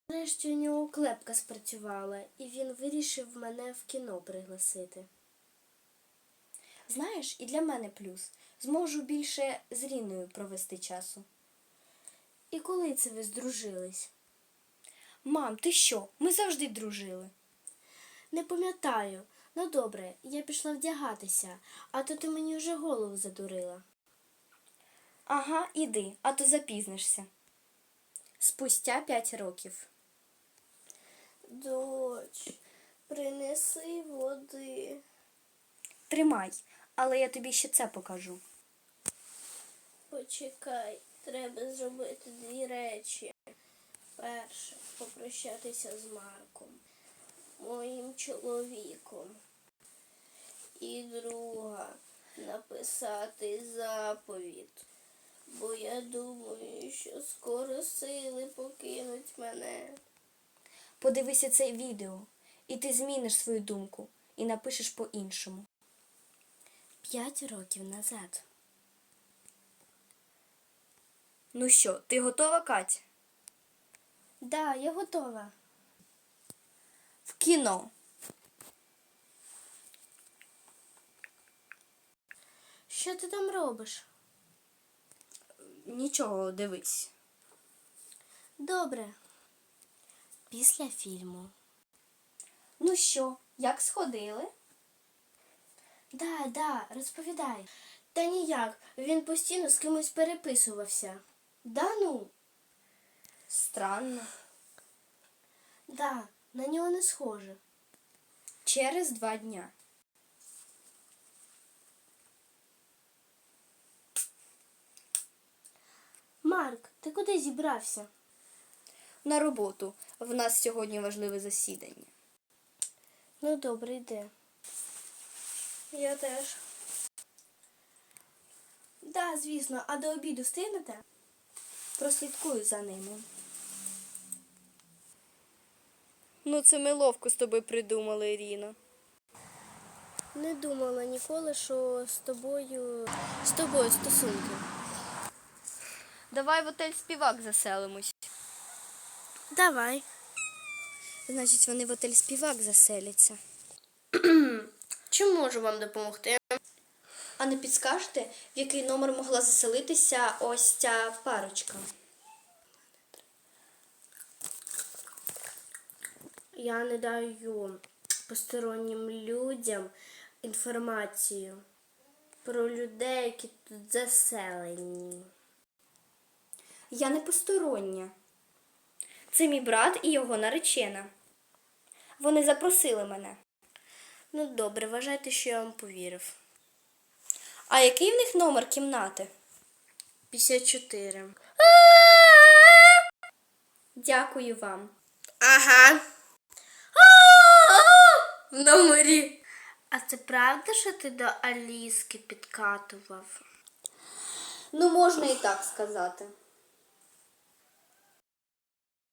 Нарешті у нього клепка спрацювала, і він вирішив мене в кіно пригласити. Знаєш, і для мене плюс. Зможу більше з Ріною провести часу. І коли це ви здружились? Мам, ти що? Ми завжди дружили. Не пам'ятаю. Ну добре, я пішла вдягатися, а то ти мені вже голову задурила. Ага, іди, а то запізнишся. Спустя 5 років. Доч, принеси води. Тримай, але я тобі ще це покажу. Почекай, треба зробити 2 речі. Перше, попрощатися з Марком, моїм чоловіком. І друга, написати заповідь. Бо я думаю, що скоро сили покинуть мене. Подивися це відео, і ти зміниш свою думку, і напишеш по-іншому. 5 років назад. Ну що, ти готова, Кать? Да, я готова. В кіно. Що ти там робиш? Нічого, дивись. Добре. Після фільму. Ну що, як сходили? Да, розповідай. Та ніяк, він постійно з кимось переписувався. Да ну? Странно. Да, на нього не схоже. Через 2 дня. Марк, ти куди зібрався? На роботу. В нас сьогодні важливе засідання. Ну, добре, йди. Я теж. Да, звісно. А до обіду встигнете? Прослідкую за ними. Ну, це ми ловко з тобою придумали, Ірина. Не думала ніколи, що з тобою стосунки. Давай в отель Співак заселимось. Давай. Значить, вони в отель Співак заселяться. Чим можу вам допомогти? А не підскажете, в який номер могла заселитися ось ця парочка? Я не даю постороннім людям інформацію про людей, які тут заселені. Я не постороння. Це мій брат і його наречена. Вони запросили мене. Ну добре, вважайте, що я вам повірив. А який в них номер кімнати? 54. Дякую вам. Ага. В номері. А це правда, що ти до Аліски підкатував? Ну, можна і так сказати.